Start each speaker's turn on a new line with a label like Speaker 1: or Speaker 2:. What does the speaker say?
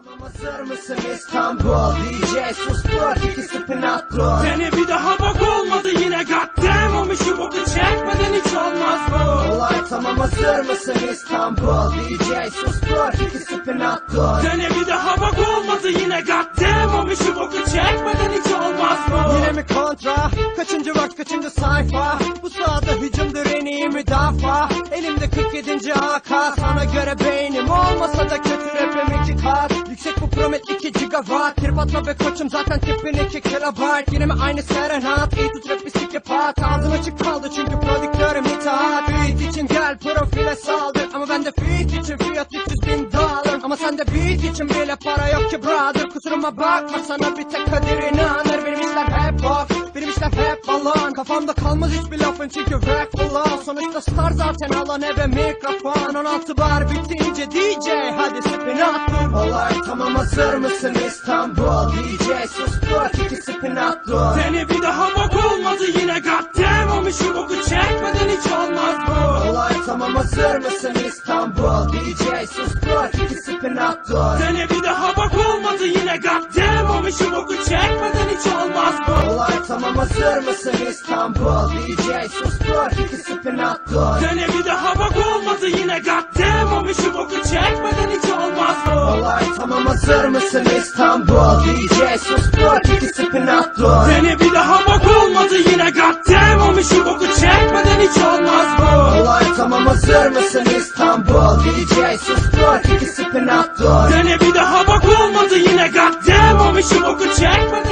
Speaker 1: Hazır mısın İstanbul? DJ sustur, ikisi pinatro.
Speaker 2: Seni bir daha bak olmadı yine goddamn. O mişi boku çekmeden hiç olmaz bu.
Speaker 1: Olay tamam, hazır mısın İstanbul? DJ sustur, ikisi pinatro.
Speaker 2: Seni bir daha bak olmadı yine goddamn. O mişi boku çekmeden hiç olmaz bu.
Speaker 1: Yine mi kontra? Kaçıncı vakt, kaçıncı sayfa? Bu sahada hücumdur en iyi müdafaa. Elimde 47. AK. Sana göre beynim olmasa da kötü rapim 2 kat. Yüksek bu promet 2 gigawatt. Trip atma be koçum, zaten tipin 2 kilobyte. Yine mi aynı serenat? İyi tut rap bir psikopat. Ağzım açık kaldı çünkü prodüktörüm itaat. Beat için gel profile saldır. Ama bende feat için fiyat 300.000 dolar. Ama sende beat için bile para yok ki brother. Kusuruma bakma, sana bir tek kadir inanır. Benim işler hep off, benim işler hep balon. Kafamda kalmaz hiçbir lafın çünkü rap flow. Sonuçta star zaten, alan eve mikrofon. 16 bar bitince DJ hadi spin at. Olay tamam, hazır mısın İstanbul? DJ sustur, iki spin at.
Speaker 2: Seni bir daha bak olmadı yine goddamn. O mişi boku çekmeden hiç olmaz bu.
Speaker 1: Olay tamam, hazır mısın İstanbul? DJ sustur, iki spin at.
Speaker 2: Seni bir daha bak olmadı yine goddamn. O mişi boku çekmeden hiç olmaz bu.
Speaker 1: Olay tamam, hazır mısın İstanbul? DJ sustur, iki spin at.
Speaker 2: Seni bir daha bak olmadı yine goddamn. O mişi boku çekmeden hiç olmaz bu.
Speaker 1: Olay tamam, hazır mısın İstanbul? DJ sustur, iki spin at.
Speaker 2: Seni bir daha bak olmadı yine goddamn. O mişi boku çekmeden hiç olmaz bu.
Speaker 1: Olay tamam, hazır mısın İstanbul? DJ sustur, iki spin at.
Speaker 2: Seni bir daha bak olmadı yine goddamn. O mişi boku çekmeden